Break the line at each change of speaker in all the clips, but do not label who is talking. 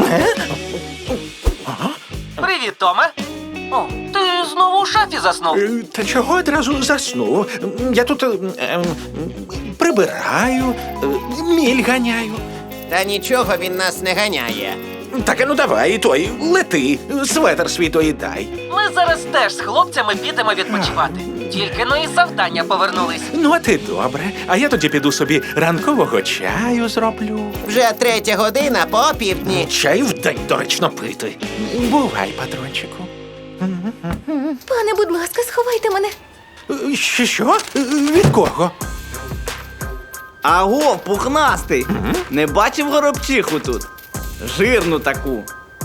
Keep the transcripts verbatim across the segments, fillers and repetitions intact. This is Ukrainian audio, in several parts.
Привіт, Томе. О, ти знову у шафі заснув.
Е, Та чого одразу заснув? Я тут е, е, прибираю, е, міль ганяю.
Та нічого він нас не ганяє.
Так, а ну давай, той, лети, светр свій той дай.
Ми зараз теж з хлопцями підемо відпочивати. Тільки ну із завдання повернулись.
Ну, а ти добре. А я тоді піду собі ранкового чаю зроблю.
Вже третя година по півдні.
Чай в день доречно пити. Бувай, патрончику.
Пане, будь ласка, сховайте мене.
Е, Що? що? Е, Від кого?
Аго, пухнастий! Не бачив горобчиху тут? Жирну таку.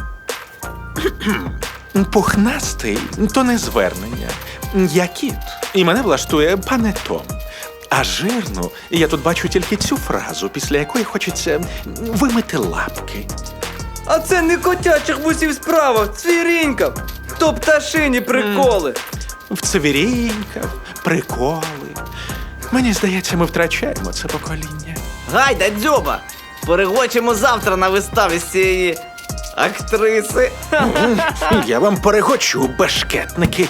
Пухнастий – то не звернення. Я кіт, і мене влаштує пане Том. А жирну я тут бачу тільки цю фразу, після якої хочеться вимити лапки.
А це не котячих бусів справа, цвірінька. То пташині приколи.
В цвіріньках, приколи. Мені здається, ми втрачаємо це покоління.
Гайда, дзьоба! Перегочимо завтра на виставі з цієї актриси.
Я вам перегочу, бешкетники.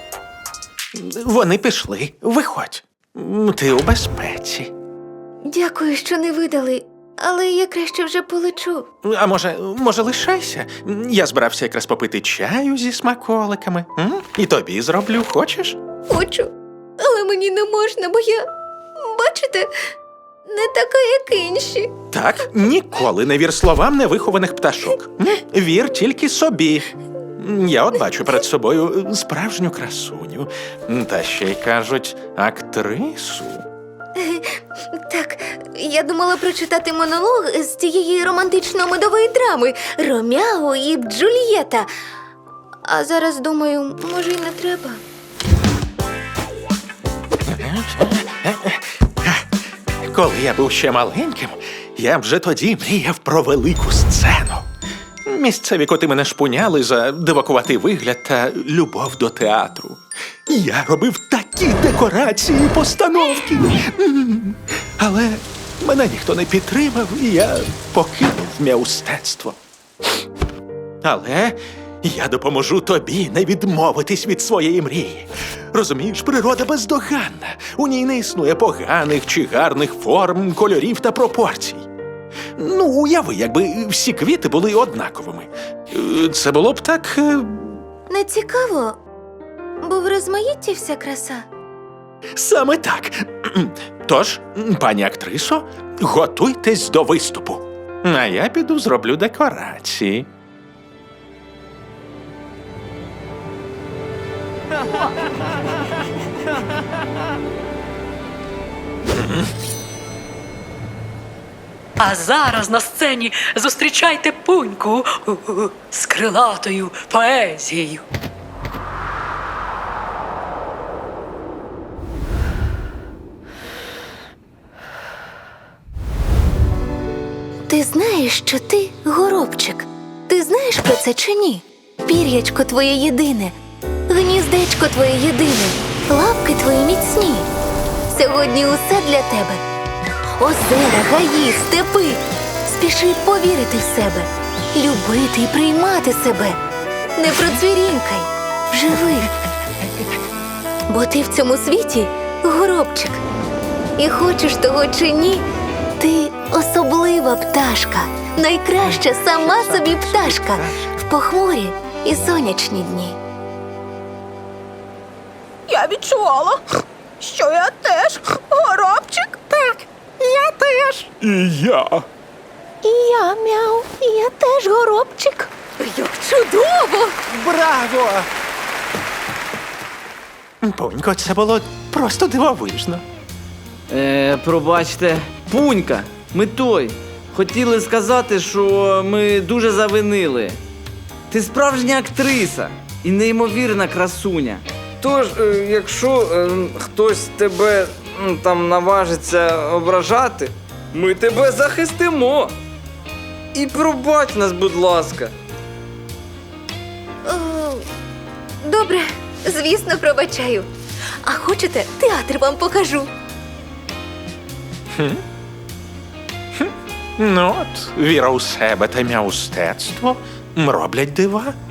Вони пішли. Виходь. Ти у безпеці.
Дякую, що не видали, але я краще вже полечу.
А може, може, лишайся? Я збирався якраз попити чаю зі смаколиками. М? І тобі зроблю, хочеш?
Хочу, але мені не можна, бо я, бачите, не така, як інші.
Так, ніколи не вір словам невихованих пташок. М? Вір тільки собі. Я от бачу перед собою справжню красуню. Та ще й кажуть, актрису.
Так, я думала прочитати монолог з цієї романтично-медової драми «Ромео і Джульєта». А зараз думаю, може, й не треба.
Коли я був ще маленьким, я вже тоді мріяв про велику сцену. Місцеві коти мене шпуняли за дивакуватий вигляд та любов до театру. Я робив такі декорації і постановки. М. Але мене ніхто не підтримав, і я покинув мистецтво. Але я допоможу тобі не відмовитись від своєї мрії. Розумієш, природа бездоганна. У ній не існує поганих чи гарних форм, кольорів та пропорцій. Ну, уяви, якби всі квіти були однаковими. Е, Це було б так... е,
Не цікаво, бо в розмаїтті вся краса.
Саме так. Тож, пані актрисо, готуйтесь до виступу. А я піду зроблю декорації.
А зараз на сцені зустрічайте Пуньку з крилатою поезією.
Ти знаєш, що ти горобчик? Ти знаєш про це чи ні? Пір'ячко твоє єдине, гніздечко твоє єдине, лапки твої міцні. Сьогодні усе для тебе. Озера, гаї, степи. Спіши повірити в себе, любити і приймати себе. Не процвірінькай, живи. Бо ти в цьому світі горобчик. І хочеш того чи ні, ти особлива пташка, найкраща сама собі пташка в похмурі і сонячні дні.
Я відчувала, що я теж горобчик. Так, я теж.
І я.
І я, мяу, і я теж горобчик. Як чудово!
Браво! Понько, це було просто дивовижно.
Е, пробачте, Пунька, ми той. Хотіли сказати, що ми дуже завинили. Ти справжня актриса і неймовірна красуня. Тож, е, якщо е, хтось тебе м, там наважиться ображати, ми тебе захистимо. І пробач нас, будь ласка.
О, добре, звісно, пробачаю. А хочете, театр вам покажу?
Ну от, віра у себе та м'яустецтво роблять дива.